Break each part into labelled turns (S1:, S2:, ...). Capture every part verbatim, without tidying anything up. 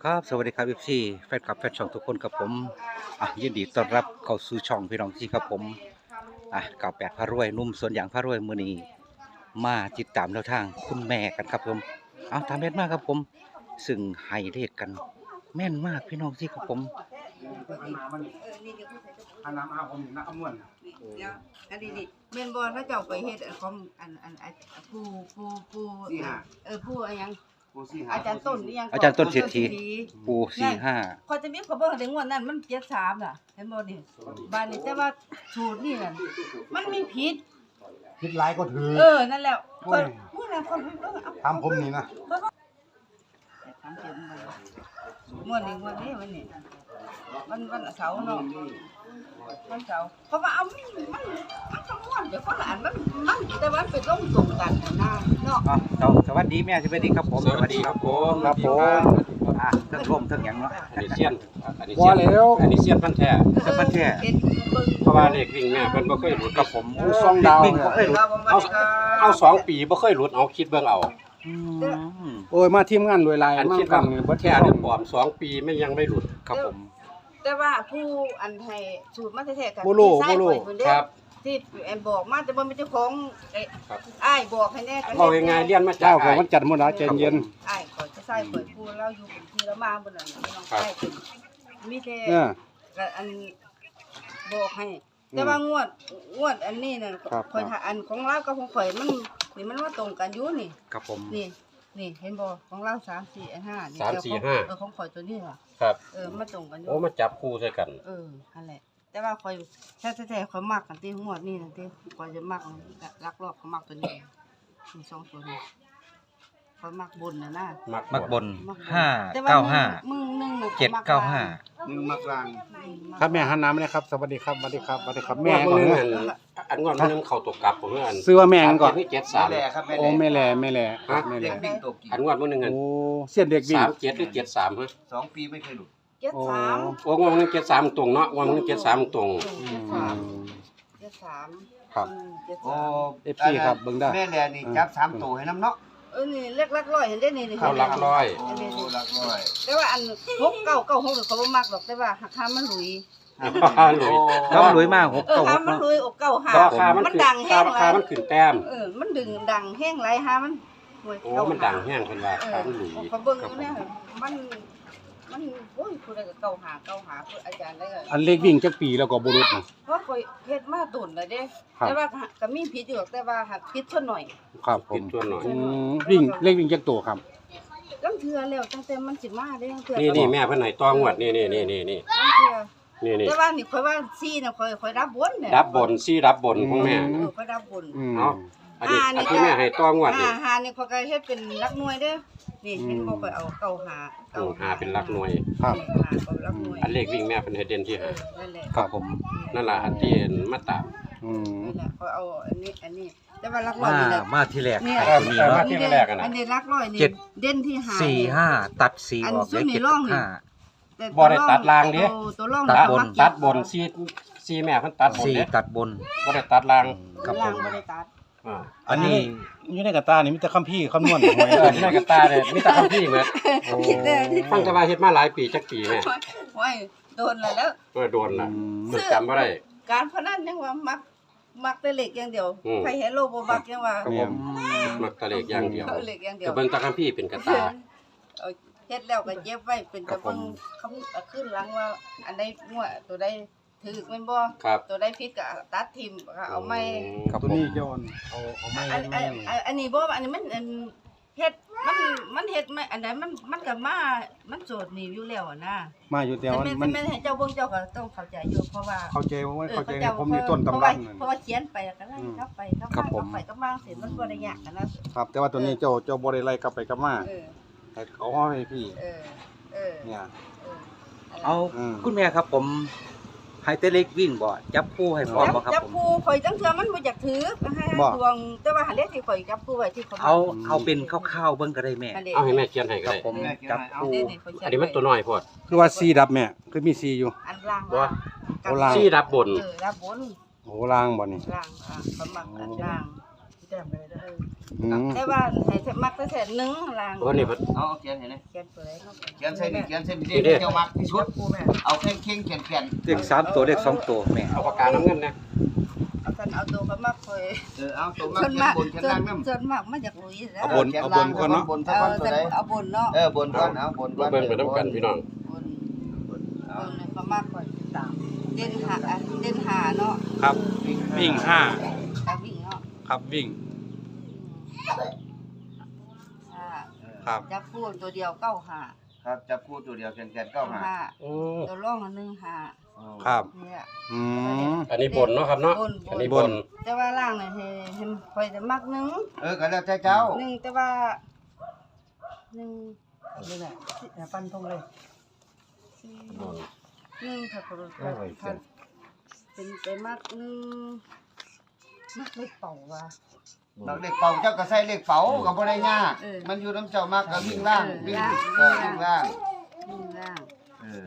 S1: ครับสวัสดีครับ เอฟ ซี แฟนคลับแฟนช่องทุกคนครับผมอ่ะยินดีต้อนรับเข้าสู่ช่องพี่น้องที่ครับผมอ่ะเก่าแปดพระรวยหนุ่มสวนอย่างพระรวยมือนี้มาติดตามแนวทางคุณแม่กันครับผมเอาตามแม่นมากครับผมซึ่งให้เลขกันแม่นมากพี่น้องที่ครับผม
S2: อันน้ำอาผมนักขมวน
S3: เดี๋ยวอันนี้นี่แม่นบ่ถ้าเจ้าไปเฮ็ดอันของอันอันอันผู้ผู้ผู้เออผู้อะไรยังอาจารย์ต้นนี่ยัง
S1: อาจารย์ต้นเศรษฐีปูสี่ห้า
S3: พอจะมีเขาเบิ่งถึงวันนั้นมันเจ็ดสามน่ะเห็นบ่นี่บ้านนี้แต่ว่าสูตรนี่น่ะมันมีผิด
S2: คิดร้ายก็ถือ
S3: เออนั่นแหละเพิ่นมื้อนั้นเพิ่นเบิ่งเอา
S2: ทำผมนี่นะ
S3: ถามเจ็บมื้อนี้มื้อนี้วันนี้วันวันเสาร์เนาะวันเสาร์เพราะว่าเอามันมันมันคำนวณเดี๋ยวคนละอันมันมันแต่ว่ามันเป็นต้องตรงกันนะเนาะ
S1: อ่ะเราสวัสดีแม่สวัสดีครับผม
S4: สวัสดีครับผม
S1: ครับผมอ่ะทั้งชมทั้งหยังเนาะ
S4: อันนี้เซียนอันนี้
S2: ว่า
S4: เซียน
S2: แล้ว
S4: อันนี้เซียนพันธุ์แท้
S1: เจ้าพันแท้
S3: เห็นเบิ่ง
S4: เพราะว่าเลขวิ่งแม่เพิ่นบ่เคยหลุดกับผม
S2: ผู้ซองดาว
S1: วิ่งก็เอ้ย
S4: เอาเอาสองปีบ่เคยหลุดเอาคิดเบิ่งเอา
S1: อืม
S2: โอ้ยมาทีมงานรวยลาย
S4: อัน
S2: มา
S4: คิด
S2: ฟั
S4: ว่าง
S2: นี่บ่
S4: แท้หรือปลอมสองปีไม่ยังไม่หลุด
S1: ครับผม
S3: แต่ว่าผู้อันให้สูตรมาแท้ๆกัน
S2: บ่รู้
S3: ที่
S2: บ่รู้
S3: ใส่ไว้เพิ่นเด้
S4: ครับ
S3: ที่แอนบอกมาแต่บ่เป็นเจ้าของเอ้ย
S4: ครับ
S3: อ้ายบอกให้แน่ก็
S4: เอาง่ายๆเรียนมาจา
S2: เจ้าก ของ
S4: อ้าย
S2: มันจัดหมดแล้วใจเย็น
S3: อ้ายขอยจะใส่ข่อยผู้เราอยู่เป็นที่ละมาบ่นั่นน้อง
S4: ครับ
S3: ใส่เป็นมีแต่
S2: เออ
S3: ก็อันบอกให้ แต่ว่างวดงวดอันนี้น่ะ
S2: ครับ
S3: ข่อยถ้าอันของเรากับของข่อยมันนี่มันว่าตรงกันอยู่นี่
S1: ครับผม
S3: นี่นี่เห็นบ่ของเราสามสี่อันห้านี่
S4: สาม
S3: แต่
S4: สี่
S3: ของ
S4: ห้า
S3: เออของข่อยตัวนี้ล่ะ
S4: ครับ
S3: เออมาตรงกันอยู่
S4: โอ้มาจับคู่ใส่กัน
S3: เออนั่นแหละ แต่ว่าข่อยแท้ๆข่อยมักกันที่งวดนี้นั่นที่ข่อยจะมักลักลอบข่อยมักตัวนี้มีสองตัวนี้ข่อยมักบนน่ะนะ
S4: มัก
S1: มักบน
S3: มักบน
S1: ห้า
S3: แต่ว่
S1: เก้าห้า
S3: มึงมึงหนึ่งน่ะ
S1: เจ็ด
S3: ข่อยมั
S1: เก้าห้า
S2: หนึ่งมักลาง
S3: อืมมัก
S2: ครับแม่หันน้ำเลยครับสวัสดีครับสวัสดีครับสวัสดีครับ
S4: แม่
S2: แม่
S4: บ่
S2: ก่อน
S4: นึง
S2: เน
S4: อัน
S2: อะ
S4: อันงอนมันนึงเข้าตกกลับผมอัน
S2: ซื้อว่าแม่กันก่อน
S4: เจ็ดสาม
S2: โอ้แม่แหล่แม่แหล่ครับแม่แหล่
S4: อันงอนมันนึงอัน
S2: โอ้เสียนเด็กวิ่ง
S4: สามเจ็ดหรือเจ็ดสามฮะ
S5: สองปีไม่เคยหลุด
S3: เจ็ดสาม
S4: โอ้งอนมันเจ็ดสามตรงเนาะงอนมันเจ็ดสามตรง
S2: อืม
S3: เจ็ดสาม
S2: ครับ
S3: อืมเจ็ด
S5: โอ้
S3: สาม
S2: เอฟซี ครับเบิ่งได้
S5: แม่แลนี่จับสามตัวให้น้ำเนาะ
S3: เออนี่เล็กลักร้อยเห็นได้นี่นี่
S4: เข้าหลักร้อย
S5: โอ้หลักร้อย
S3: แต่ว่าอันหกเก้าเก้าหกเขาบ่มักหรอกแต่ว่าหักคามันหลุย
S4: หลุย
S1: ต้องรวยมากหก
S3: เออ
S1: เก้าห
S3: หาก มัน
S1: เนาะ
S3: หลุยอกเก้าหา
S4: ราคามัน
S3: มัน
S4: ขึ้น
S3: ดังแห้ง
S4: ราคามันขึ้นแต้ม
S3: เออมันดึงดังแห้งไรหามันหวย
S4: โอ้
S3: เก้า
S4: มันดังแห้งเพิ่นว่า
S3: เอ
S4: ขา
S3: อ
S4: มันหลุย
S3: เขาเบิ่งอยู่เนี่ยมันมันโอ้ยผู้ใดก็เก้าหาเก้าหาผู้อาจารย์ได้ก็
S2: อันเล็กวิ่งจักปีแล้วก็บ่รุดนะ
S3: เพราะข่อยเฮ็ดมาตุ่นแล้วเด้
S2: ครับ
S3: แต่ว่าก็มีผิดอยู่หรอกแต่ว่าหักผิดเท่าหน่อย
S2: ครับผ
S4: ผิ
S2: ม
S4: ดตัวหน่อย
S2: อืมวิ่งเล็กวิ่งจักตัวครับ
S3: ลังเทื่อแล้วตั้งแต่มันสิมาเด้ลังเทื่อ
S4: นี่นี่แม่เพิ่นให้ตองวดนี่นี่นี่นี่นี่
S3: ลังเทื่อ
S4: นี่นี่
S3: แต่ว่านี่ข่อยว่าซี่น่ะข่อยข่อยรับบนเนี่ย
S4: รับบนซี่รับบนของแม่
S3: เออข่อยรับบน
S2: อืม
S4: เอาอันนี้อันที่แม่ให้ตองวดนี่
S3: หาหานี่ข่อยก็เฮ็ดเป็นหลักหน่วยเด้อนี่เห็นบ่ข่อยเอาเก้าหา
S4: โอ้หาเป็นหลักหน่วย
S2: ครับ
S3: หาก็หลักหน่วย
S4: อันเลขวิ่งแม่เพิ่นให้เด่นที่
S3: เอ
S4: หา
S3: อนั่นแหละ
S1: ครับผม
S4: นั่นล่ะอันที่มาตาม
S2: อืม
S3: นั่นแหละข่อยเอาอันนี้อันนี้แต่ว่าหลักร้อ
S1: มาย
S3: นี่แหละ
S1: มาที่แรก
S3: เนี่ย
S1: ไอ้ตัวนี้เนาะ
S4: ที่แรกอะนะ
S3: อันนี้หลักร้อยนี่
S1: เจ็ด
S3: เด่นที่หา
S1: สี่ห้าตัดสี่
S3: อัน
S1: ออก
S3: ซุ่
S1: ได้
S3: มนี่
S1: เจ็ด
S3: ร่องนี่
S1: ห้า
S3: แต่
S4: บ่ได้ตัดรางเด้
S3: ตัวตัวร่อง
S1: ตัดบน
S3: มัก
S4: ตัดบนซี่ซี่แม่เพิ่นตัดบน
S1: สี่
S4: เด้
S1: ตัดบน
S4: บ่ได้ตัดล่าง
S1: ครับผ
S3: ล่าง
S1: ม
S3: บ่ได้ตัด
S4: อ่า
S1: อันนี้
S2: อยู่ในกระตานี่มีแต่คำพี่คำนวณหวย
S4: เออที่นั่นก็ตาเลยมีแต่คำพี่เหมือน
S3: คิดได้ที่
S4: ฟังแต่ว่าเฮ็ดมาหลายปีจักปีแม่
S3: โอ้ยโดนแล้วแล้ว
S4: เออโดนล่ะจดจำบ่ได้
S3: การพนันยังว่ามักมักแต่เหล็กอย่างเดียว
S4: อืม
S3: ใครเห็นโลบ่มักยังว่า
S4: ครับผมมักแตะเลขอย่างเดียว
S3: เอาเหล็กอย่างเดีย
S4: ก็
S3: ว
S4: เบิ่งแตะคำพี่เป็นกระตา
S3: เอาเฮ็ดแล้วก็เย็บไว้เป็น
S4: ครั
S3: ตะ
S4: บผม
S3: เบิ่งคำเอาขึ้นหลังว่า อันใดงัวตัวใดถูกแม่นบ่
S4: ครับ
S3: ตัวใดผิดก็ตัดทิ่มก็เอาไม่
S1: ครับ
S2: ตัว
S1: ผม
S2: นี้โยนเอาเอาไม่
S3: อันอันอันอันนี้บ่อันนี้มันอันเฮ็ดมันมันเฮ็ดไม่อันใดมันมันก็มามันโจทย์นี่อยู่แล้วอะนะ
S2: มาอยู่แต่
S3: แต่
S2: ว่า
S3: แม่น
S2: มัน
S3: แม่นให้เจ้าเบิ่งเจ้าก็ต้องเข้าใจอยู่เพราะว่า
S2: เข้าใจว่า
S3: เออ
S2: เข้าใจ
S3: จ้
S2: ผมมีต้น
S3: เพ
S2: ตำ
S3: ราะ
S2: รั
S3: ว่า
S2: บนั่น
S3: เพราะว่าเขียนไปก็ไล่กลับไปกลับ
S1: ครั
S3: มา
S1: บผม
S3: กลับไปกลับมาเสร็จมันบ่ได้ยากกันนะครับ
S2: แต่ว่าตัวนี้เจ้าเจ้าบ่ได้ไล่กลับไปกลับมา
S3: เออ
S2: ให้เขาห้อยพี่
S3: เออเออ
S2: เนี่ย
S3: เออ
S1: เอา
S2: อืม
S1: คุณแม่ครับผมให้แต่เล็กวิ่งบ่จับคู่ให้พร้อมบ่ครับ
S3: จับ
S1: ผม
S3: คู่ข่อยจังเทื่อมันบ่อยากถือให้ให้ดวงแต่ว่าหันเลขที่ข่อยจับคู่ไว้ที่เขา
S1: เอาเอาเป็นคร่าวๆเบิ่งก็ได้แม่
S3: อันนี้
S4: เอาให้แม่เขียนให้
S1: ค
S4: ก็
S1: รับ
S4: ได้
S1: ผมจับคู่
S3: อันนี้ข่อยเขีย
S4: อันนี้มันตัวน้อยโพด
S2: คือว่าซีดับแม่คือมีซีอยู่
S3: อันล่าง
S4: บ่
S2: เอาล่าง
S4: ซี่รับบน
S3: เออรับบน
S2: โอ้ล่างบ่นี่
S3: ล่างอ่ะสมัครอันล่างแต้มเลยเด้อ
S2: อืม
S3: แต่ว่าให้มักแต่แสนหนึงล่าง
S4: วันนี้เพิ่น
S5: เอาเขียนให้หน่อย
S3: เขียนตัวไหนเนาะ
S5: เขียนใส่นี่เขียนใส่นี่
S4: นี่
S5: เด็
S4: เด้
S5: กเจ้ามักที่สุด
S3: ปูแม่
S5: เอาเข่งเข่งๆเขียนเขียน
S1: เลขสามตัวเลขสองตัวแม่
S4: เอาปากกาน้ำเงินนะ
S3: เอากันเอาตัวก็มักคอย
S5: เออเอาตัวมัก
S3: ส่วน
S5: เขียน
S3: มาก
S5: บนเขียน
S3: ส่ว
S5: ล่าน งนำ
S3: ส่วนมากมาจากลุยแล้ว
S2: เอาบนเอาบนก่อนเนาะ
S5: บนสัก
S3: เอา
S5: วันตัว
S3: แต่
S5: ใด
S3: เอาบนเนาะ
S5: เออบนก่อนเอาบนก่อน
S4: เบิ่งไปน้ำกันพี่น้อง
S3: บนบนเนี่ยก็มากกว่าตามเด่นหาอ่ะเด่นหาเนาะ
S2: ครับวิ่งห้า
S3: แต่วิ่งเนาะ
S2: ครับวิ่ง
S3: ห้า
S2: ครับ
S3: จับคู่ตัวเดียวเก้าหา
S5: ครับจับคู่ตัวเดียวเขียนเขียนเก้าหา
S3: ห้า
S4: โอ้
S3: ตัวร่องอันหนึ่งหา
S2: ครับ
S3: เนี่ย
S2: อืม
S4: อันนี้บนเนาะครับเนาะ
S3: บน
S4: อันนี้
S3: บบ น
S4: น
S3: แต่ว่าล่างเนี่ยให้ให้คอยจะมักหนึ่ง
S5: เออก็แล้วแต่เจ้า
S3: หนึ่งแต่ว่าหนึ่งนี่แหละฟันตรงเลยหนึ่งถ้าคนถ้าเป็นไปมักหนึ่งมักไม่เป่าว่ะ
S5: เราเลขเป่าเจ้าก็ใส่เลขเป่าก็บ่ได้ยาก
S3: เออ
S5: มันอยู่น้ำเจ้ามากก็วิ่งล่าง
S3: เออ
S5: วิ่ง
S3: ล่าง
S5: เออวิ่งล่าง
S3: วิ่งล่าง
S5: เออ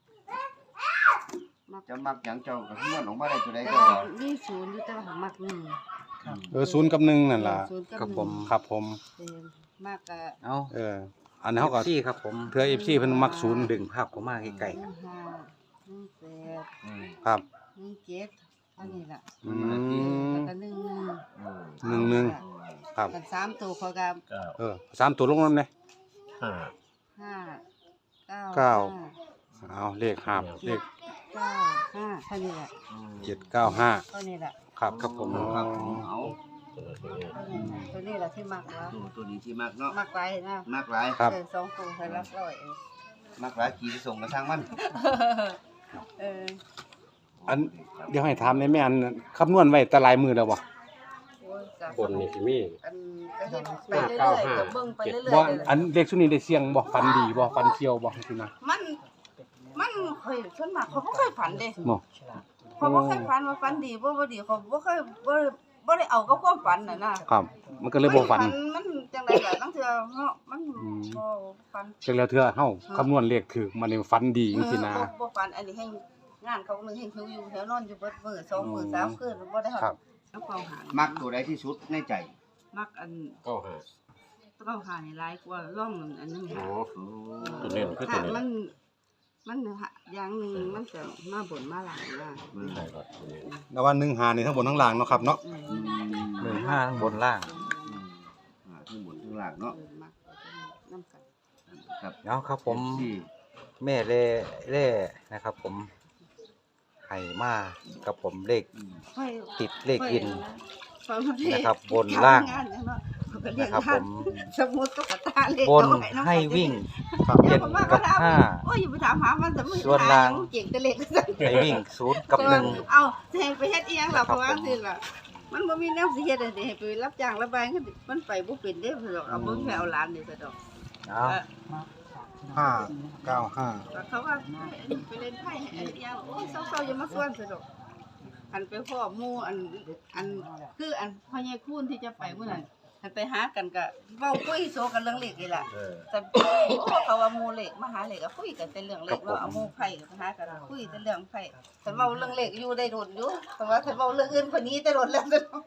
S3: มัก
S5: จะมักหยังเจ้าก็คำนวณออกมาได้ตัวใด
S3: แต่
S5: เจ้า
S3: ว่า
S5: ก็
S3: มีศูนย์อยู่แต่ว่ามักหนึ่ง
S2: เออศูนย์กับหนึ่งนั่นล่ะ
S3: ศูนย์กับ
S1: ครับ
S3: หนึ่ง
S1: ผม
S2: ครับผม
S3: เป็นมากกะ
S1: เอา
S2: เออ อันนี้เขาก็
S1: ซี่ครับผม
S2: เพื่อ เอฟ ซี เพิ่นมักศูนย์
S1: ดึงภาพเข้ามาใกล้
S3: หนึ่งห้าหนึ่งแปด
S5: อืม
S2: ครับ
S3: หนึ่งเจ็ดอันนี้ล่ะ
S2: อื
S3: แล้ว
S2: ม
S3: ก็หนึ่งหนึ่ง
S5: อืม
S2: หนึ่งหนึ่งครับ
S3: กันสามตัวเขากับ
S2: เออสามตัวลงนั่นเลย
S4: ห้า
S3: ห้าเก้า
S2: เก้า
S3: ห้
S2: เอาเลขห้าเลข
S3: เก้าห้าเท่านี้แหละ
S2: เจ็ดเก้าห้า
S3: เท่านี้แหละ
S2: ครับครับผม
S5: ครับเอา
S3: ตัวนี้แหละที่มักแล้ว
S5: โอ้ตัวนี้ที่มักเนาะ
S3: มักไว้นะ
S5: มักหลาย
S2: ครับ
S3: เออสองตัวให้รับร้อยเอง
S5: มักหลายขี่ไปส่งกระทางมัน
S3: เออ
S2: อันเดี๋ยวให้ถามในแม่อันคำนวณไว้แตะลายมือแล้วบ่
S3: โอ้ยจ้ะ
S4: บนนี่สิมี
S3: อันก็เฮ็ดไปเรื่
S4: เก้า
S3: อย
S4: ห้า
S3: ๆก็เบิ่งไปเรื่อย
S2: บ่
S3: ๆเลย
S2: อันเลขชุดนี้ได้เสี่ยงบ่ฟันดีบ่ฟันเคียวบ่คือนะ
S3: มัน มันเคยส่วนมากเขาบ่เคยฝันเด้
S2: เนาะ
S3: เขาบ่เคยฝันว่าฝันดีบ่บ่ดีเขาบ่เคยบ่บ่ได้เอากับความฝันน่ะนะครับ
S2: มันก็เลยบ่ฟัน
S3: มันจังได๋ล่ะตั้งเทื่อเนาะมัน
S2: อืม
S3: บ่ฝัน
S2: จังแล้วเทื่อเฮาคำนวณเลขถูกมันนี่ฟันดีจังซี่นะ
S3: เออบ่บ่ฝันอันนี้ให้งานเขาหนึงให้คิวอยู่แถวนอนอยู่เบิดมื้อสองมื้อสามคืนบ่ได้
S2: ครับ
S3: เอาเฝ้าหา
S5: มักตัวใดที่สุดในใจ
S3: มักอัน
S4: เก้าห้า
S3: เฝ้าหานี่หลายกว่าร่องอันนึง
S4: โอ้
S3: หา
S4: ตัวเน้นคือตัว
S3: ค่ะ
S4: เน้น
S3: มัน มันหาอย่างหนึงมันจะมาบนมาหลังนะ
S4: ใช่ครับตัวเน้น
S2: แล้วว่าหนึ่งหานี่ทั้งบนทั้งล่างเนาะครับเนาะ
S3: อืม
S1: ๆหนึ่งห้าข้างบนล่าง
S5: อืมอ่าทั้งบนทั้งล่างเนาะ
S3: เออมักน้ำกัน
S5: ครับ
S1: เอาครับผม
S5: ที่
S1: แม่เล่เล่นะครับผมไห่มากับผมเลข
S3: ค่อย
S1: ติดเลขอิน
S3: ค่อยมาเรียก
S1: นะครับบนล่าง
S3: ทำนเนี่ยเนาะเขาก็เรียก
S1: นะครับผม
S3: สมมุติตุ๊กตาเล็ก
S1: บน
S3: เอาไว้เนาะ
S1: ให้วิ่ง
S2: ครับ
S1: เจ็ดกับห้า
S3: โอ้ยอย่าไปถามหามันแต่มือ
S1: ส่วนล่าง
S3: เก่งแต่เล็กสั่น
S1: ให้วิ่งศูนย์กับหนึ่ง
S3: เอาแทงไปเฮ็ดอีหยังล่ะ
S1: ครั
S3: เพ
S1: บ
S3: ราะว่า
S1: ผม
S3: สิล่ะมันบ่มีแนวสิเฮ็ดให้ให้ไปรับจ้างระบายกันมันไปบ่เป็นเด้อดอกเอาบ่แค่เอาหลานนี่ซะดอก
S1: เอา
S3: เออ
S2: ห้าเก้าห้า
S3: แล้วเขาว่าไปเล่นไพ่ให้อันเดียวโอ้ยเศร้าๆอย่ามาส่วนซะดอกอันไปพ่อหมู่อันอันคืออันพ่อใหญ่คูณที่จะไปมื้อนั้นอันไปหากันก็เว้าคุยโซกันเรื่องเลขนี่ล่ะ
S5: เออ
S3: แต่โอ้เขาว่าหมู่เลขมาหาเลขก็คุยกันแต่เรื่องเลขว่าเอาหมู่ไผก็หากันคุยแต่เรื่องไผแต่เว้าเรื่องเลขอยู่ได้โดนอยู่แต่ว่าถ้าเว้าเรื่องอื่นคนนี้แต่โดนแล้วซะดอก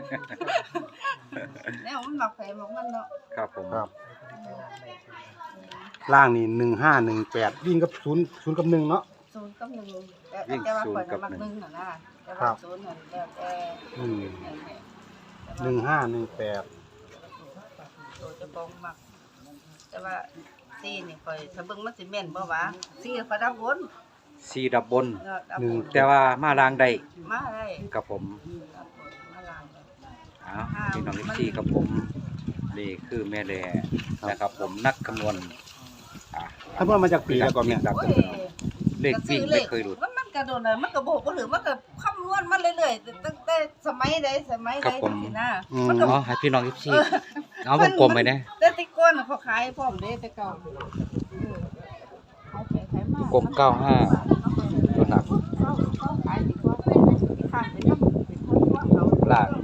S3: แนวมันมักไผมักมันเนาะ
S1: ครับผม
S2: ครับล่างนี่หนึ่งห้าหนึ่งแปดวิ่งกับศูนย์ศูนย์กับหนึ่งเนาะ
S3: ศูนย์กับหนึ่งแต่แต่ว่าคนมักหนึ่งน่ะนะแต่
S2: ครั
S3: ว่า
S2: บ
S3: ศูนย์นั่นแล้วแต่
S2: อืมหนึ่งห้าหนึ่งแปด
S3: ตัวจะบองมัก แต่ว่าซีนี่ค่อยถ้าเบิ่งมันสิแม่นบ่วะซีเขาดับบน
S1: สีดับบน
S3: เนาะดับ
S2: หนึ่
S3: บ
S2: ง
S3: น
S1: แต่ว่ามาลางได้
S3: มาได้
S1: กับผม
S3: ดับบนมาลางเลย
S1: เอาพี่น้องที่กับผมนี่คือแม่แล่นะครับ ผมนักคำนวณอ่ะ
S2: ถ้าเพิ่มมาจากปีแล้วก็เนี่ย
S1: ดับ
S3: โอ้ย
S1: เลขวิ่งไม่เคยหลุด
S3: มันมันกระโดดน่ะมันก็บอกบ่หรือมันก็คำนวณมันเรื่อยๆตั้งแต่สมัยใดสมัย
S1: ครั
S3: ใด
S1: บผม
S3: จังซี่นะ
S2: อืม
S3: มันก็
S1: เอาให้พี่น้องที่เอาวงกลมไปนะ
S3: แต่แติก้อนน่ะเขาขายพร้อมเด้แต่เก่าเออขายไปขายมาก
S1: ลมเก้าห้าตัวหนัก
S3: เขาเขาขายดีกว่าที่ข้างไปนำเป็นคนว่าเขา
S1: ลาก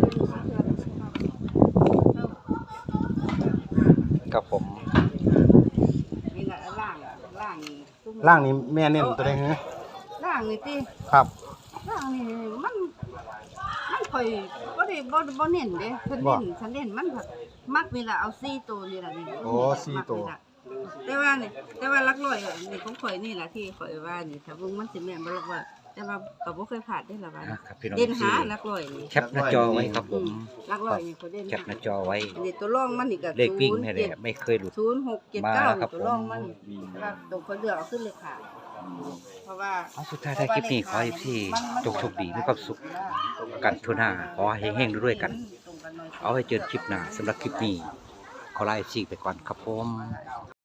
S1: กับผม
S3: นี่น่ะล่างอะล่างตุ้ม
S2: ล่างนี่แม่เน้นตัวใดฮะ
S3: ล่างนี่ติ
S2: ครับ
S3: ล่างนี่มันมันข่อยบ่ได้บ่บ่เน้นเด้เพิ่นเน้นฉันเน้นมันแบบมักนี่ล่ะเอาสี่ตัวนี่ล่ะนี่
S2: โอ้สี่ตัว
S3: มักนี่ล่ะแต่ว่านี่แต่ว่าหลักร้อยอะนี่ของข่อยนี่ล่ะที่ข่อยว่านี่ถ้าเบิ่งมันสิแม่นบ่หรอกว่าแต่ว่าก็บ่เคยพลาดได้ล่ะว่า
S1: นะครับพี่น้อง
S3: เด่น
S1: ที่
S3: หาหลักร้อยนี่
S1: แคปหน้าจอไว้ครับผม
S3: หลักร้อยนี่ข่อยเด่น
S1: แคปหน้าจอไว้
S3: อันนี้ตัวรองมันนี่ก็
S1: เลขวิ่งแม่
S3: ศูนย์
S1: แห
S3: เจ็ด
S1: ละไม่เคยหลุด
S3: ศูนย์หกเจ็ดเก้า
S1: มาครับ
S3: ตัวรองมันแต่ว่าตัวข่อยเลือกเอาขึ้นเลขหาเพราะว่า
S1: เอาสุดท้ายท้ายคลิปนี้ขอให้พี่จงโชคดีมีความสุขกันทั่วหน้าขอให้เฮงๆด้วยกัน เอาให้เจอคลิปหน้าสำหรับคลิปนี้ขอลาเอฟซีไปก่อนครับผม